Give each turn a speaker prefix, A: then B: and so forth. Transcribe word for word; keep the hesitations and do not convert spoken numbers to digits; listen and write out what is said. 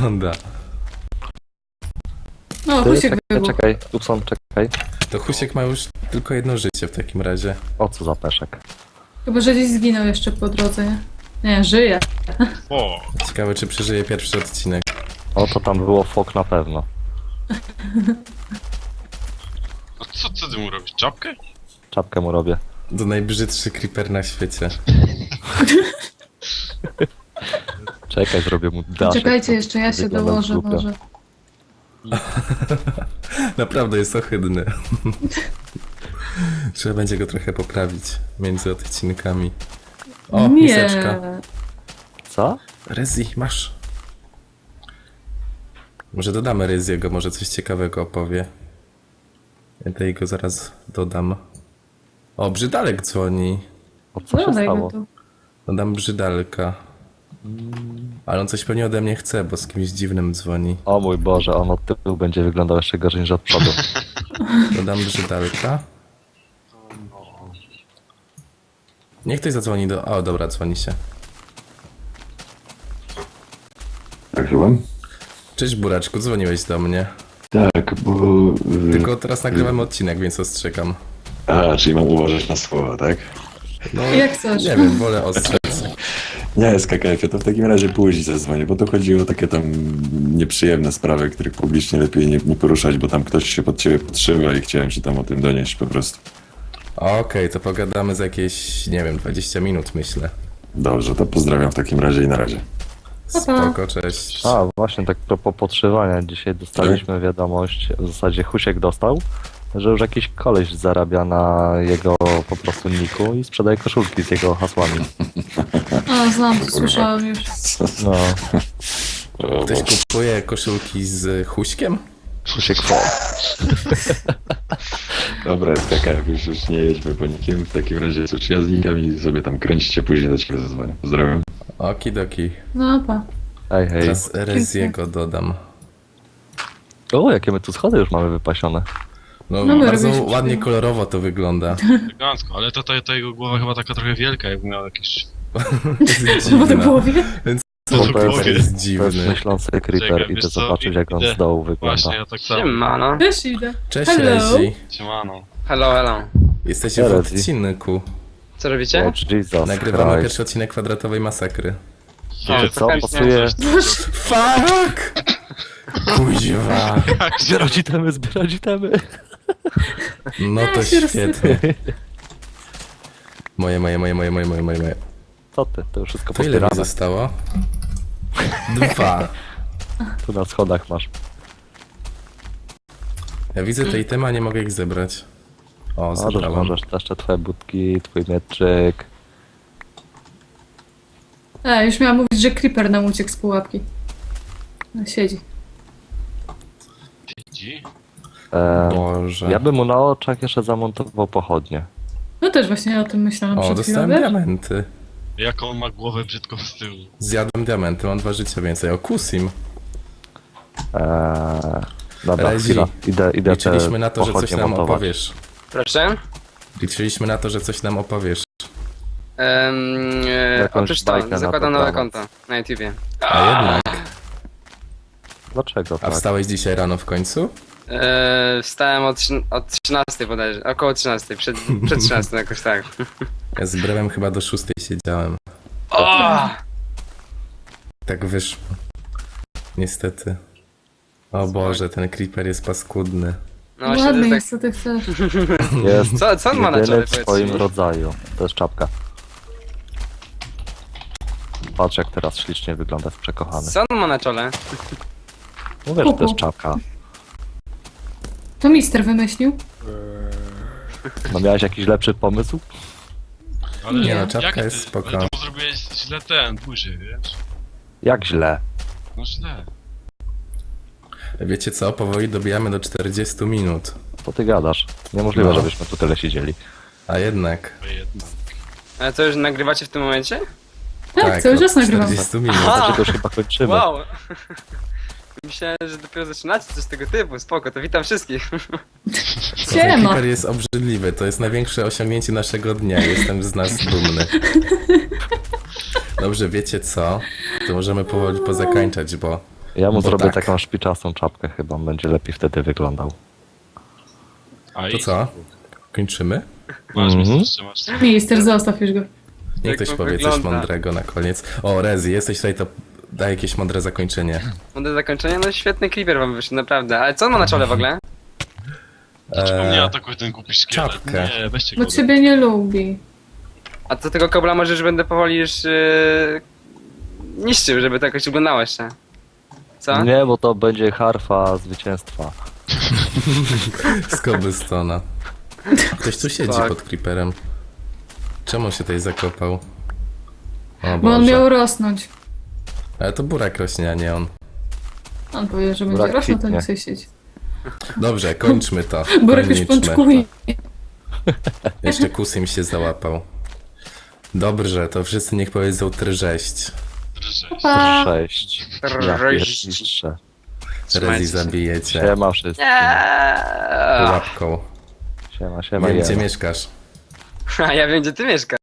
A: wygląda.
B: No,
C: Ty,
B: Husiek
C: czekaj,
B: wybuchł.
C: czekaj, Tupson, czekaj.
A: To Husiek ma już tylko jedno życie w takim razie.
C: O co za peszek?
B: Chyba, że gdzieś zginął jeszcze po drodze, nie? Nie, żyje.
D: O,
A: Ciekawe, czy przeżyje pierwszy odcinek.
C: O, to tam było fok na pewno.
D: a co, co ty mu robisz? Czapkę?
C: Czapkę mu robię.
A: To najbrzydszy creeper na świecie.
C: Czekaj, zrobię mu daszek.
B: Czekajcie jeszcze, ja się
C: Wygląda
B: dołożę
C: głupio.
B: może.
A: Naprawdę jest ohydny. Trzeba będzie go trochę poprawić między odcinkami. O,
B: Nie.
A: miseczka.
C: Co?
A: Rezi, masz. Może dodamy Reziego, może coś ciekawego opowie. Ja tutaj go zaraz dodam. O, Brzydalek dzwoni.
C: O co się
B: Dodaj go
C: stało?
B: tu.
A: Dodam Brzydalka. Ale on coś pewnie ode mnie chce, bo z kimś dziwnym dzwoni.
C: O mój Boże, on od tyłu będzie wyglądał jeszcze gorzej niż od przodu.
A: Dodam Brzydalka. Niech ktoś zadzwoni do... O, dobra, dzwoni się.
E: Tak, słucham?
A: Cześć Buraczku, dzwoniłeś do mnie.
E: Tak, bo... y,
A: Tylko teraz nagrywamy odcinek, więc ostrzegam.
E: A, czyli mam uważać na słowa, tak?
A: No,
B: Jak chcesz.
A: nie wiem, wolę ostrzec.
E: Nie, z K K F, to w takim razie później zadzwonię, bo to chodziło o takie tam nieprzyjemne sprawy, których publicznie lepiej nie, nie poruszać, bo tam ktoś się pod ciebie podszywa i chciałem ci tam o tym donieść po prostu.
A: Okej, to pogadamy za jakieś, nie wiem, dwadzieścia minut myślę.
E: Dobrze, to pozdrawiam w takim razie i na razie.
B: Pa, pa.
A: Spoko, cześć.
C: A, właśnie tak propos podszywania. Dzisiaj dostaliśmy wiadomość, w zasadzie Husiek dostał, że już jakiś koleś zarabia na jego po prostu niku i sprzedaje koszulki z jego hasłami.
B: A, znam, to słyszałem już.
C: No,
E: O,
A: Ktoś
E: Boże.
A: kupuje koszulki z Huśkiem?
C: Husiek fok.
E: Dobra, z K K F, już, już nie jedźmy po nikim, w takim razie cóż, ja znikam i sobie tam kręcicie, później do ciebie zadzwonię. Pozdrawiam.
A: Okidoki.
B: No, pa.
C: Hej, hej.
A: Teraz Reziego dodam.
C: O, jakie my tu schody już mamy wypasione.
A: No,
B: No, my
A: bardzo
B: robiliśmy
A: ładnie
B: przyjemnie.
A: kolorowo to wygląda.
D: Elegancko, ale to, to, to jego głowa chyba taka trochę wielka, jakby miał jakieś...
A: Jest
B: Trzeba do
A: dziwna.
B: głowie?
A: Co
D: To
A: to
D: głowie.
A: jest
C: To jest
A: dziwny.
C: myślący creeper,
D: Czekaj,
C: idę
D: wiesz co,
C: zobaczyć jak on
D: idę.
C: z dołu wygląda.
D: Właśnie, ja tak samo.
F: Siemano.
B: Też idę.
A: Cześć
B: Hello.
A: Rezi.
D: Siemano.
F: Hello, hello.
A: Jesteście w
C: Rezi.
A: odcinku.
F: Co robicie?
C: O Jesus
A: Nagrywamy
C: Christ.
A: pierwszy odcinek kwadratowej masakry.
C: Wiecie co,
F: chętnie.
C: pasuje...
A: Fuck! Kuźwa.
C: Zbierać itemy, zbierać itemy.
A: No to
B: Ja się
A: świetnie. Moje, moje, moje, moje, moje, moje, moje, moje.
C: Co ty, to już wszystko
A: To ile mi
C: pozbierane.
A: zostało? Dwa.
C: Tu na schodach masz.
A: Ja widzę te itemy, a nie mogę ich zebrać. O,
C: Możesz,
A: zebrałem.
C: możesz, to jeszcze twoje budki, twój mieczyk.
B: E, już miałam mówić, że creeper nam uciekł z pułapki. No, siedzi.
D: Siedzi?
C: E,
A: Boże.
C: ja bym mu na oczach jeszcze zamontował pochodnie.
B: No też właśnie o tym myślałam
A: O,
B: przed chwilą,
A: dostałem
B: wiesz?
A: diamenty.
D: Jaką on ma głowę brzydką z tyłu.
A: Zjadłem diamenty, mam dwa życia więcej. O, kusim.
C: Eee, dobra,
A: Rezi,
C: chwila, idę, idę
A: Liczyliśmy
C: te
A: na to, że coś
C: pochodnie
A: nam
C: montować.
A: opowiesz.
F: Proszę.
A: Liczyliśmy na to, że coś nam opowiesz.
F: Um, e,
C: Jakąś
F: otóż to,
C: bajkę na
F: zakładam
C: to
F: nowe
C: temat.
F: konto na YouTubie.
A: A jednak.
C: Dlaczego
A: A
C: tak?
A: wstałeś dzisiaj rano w końcu?
F: E, wstałem od, trzyna- od trzynastej bodajże, około trzynastej, przed, przed trzynastą jakoś tak.
A: Ja z brewem chyba do szóstej siedziałem.
F: O!
A: Tak wyszło. Niestety. O Boże, ten creeper jest paskudny.
F: No właśnie, to
B: Ładny
F: jest
B: jest, co ty chcesz.
C: Jest
F: Co- co on ma na
C: jedyny
F: czole,
C: w
F: powiedz
C: swoim
F: mi?
C: rodzaju. To jest czapka. Patrz jak teraz ślicznie wygląda w
F: tak.
C: przekochany.
F: Co on ma na czole?
C: Mówię, że to jest czapka.
B: To mister wymyślił?
C: No miałeś jakiś lepszy pomysł?
D: Ale
A: Nie no,
D: jak
A: czapka
D: ty?
A: jest spoko.
D: Ale to zrobiłeś źle ten, burzy, wiesz?
C: Jak źle.
D: No źle.
A: Wiecie co? Powoli dobijamy do czterdziestu minut.
C: Co ty gadasz? Niemożliwe,
A: No.
C: żebyśmy tu tyle siedzieli.
A: A jednak.
D: To jedno.
F: Ale co, już nagrywacie w tym momencie?
B: Tak, cały
A: od
B: czas nagrywam.
A: czterdziestu minut.
F: Aha.
C: Znaczy to już chyba kończymy.
F: Wow! Myślałem, że dopiero zaczynacie coś tego typu, spoko, to witam wszystkich.
A: Ten
B: Siema.
A: creeper jest obrzydliwy, to jest największe osiągnięcie naszego dnia. Jestem z nas dumny. Dobrze, wiecie co? To możemy powoli pozakańczać, bo
C: Ja mu
A: Bo
C: zrobię
A: tak.
C: taką szpiczastą czapkę chyba, on będzie lepiej wtedy wyglądał.
D: A
A: To co? Kończymy?
D: Masz
C: Mhm.
D: mi trzymasz.
B: Minister, zostaw już go.
A: Niech
F: Jak
A: ktoś
F: to
A: powie coś
F: wygląda?
A: mądrego na koniec. O, Rezi, jesteś tutaj, to daj jakieś mądre zakończenie.
F: Do zakończenia, no świetny creeper wam wyszedł, naprawdę. Ale co on ma na czole w ogóle?
D: Dlaczego
A: Eee,
D: mnie atakuje ten głupi szkielet?
A: czapkę.
D: Nie, weźcie go.
B: Bo ciebie nie lubi.
F: A co tego kobla może już będę powoli już yy, niszczył, żeby to jakoś wyglądało jeszcze. Co?
C: Nie, bo to będzie harfa zwycięstwa.
A: Z Cobblestona. Ktoś tu siedzi
F: Tak.
A: pod creeperem. Czemu się tutaj zakopał? O
B: Bo on
A: Boże.
B: miał rosnąć.
A: Ale to burak rośnie, a nie on.
B: On powiedział, że będzie
C: Brak
B: rosnął, to
C: kwitnie.
B: nie chce siedzi.
A: Dobrze, kończmy to.
B: Burek już
A: Kończmy.
B: pączkuje.
A: Jeszcze Kusym się załapał. Dobrze, to wszyscy niech powiedzą trześć.
D: Drżeć.
B: Pa!
C: Sześć. Ja
F: Trześć.
C: pierniczę.
A: Rezi
F: Trzymajcie się.
A: zabijecie.
C: Siema wszystkim.
F: Eee.
A: Pułapką.
C: Siema, siema,
A: Wiem, gdzie
C: jema.
A: mieszkasz.
F: A ja wiem, gdzie ty mieszkasz.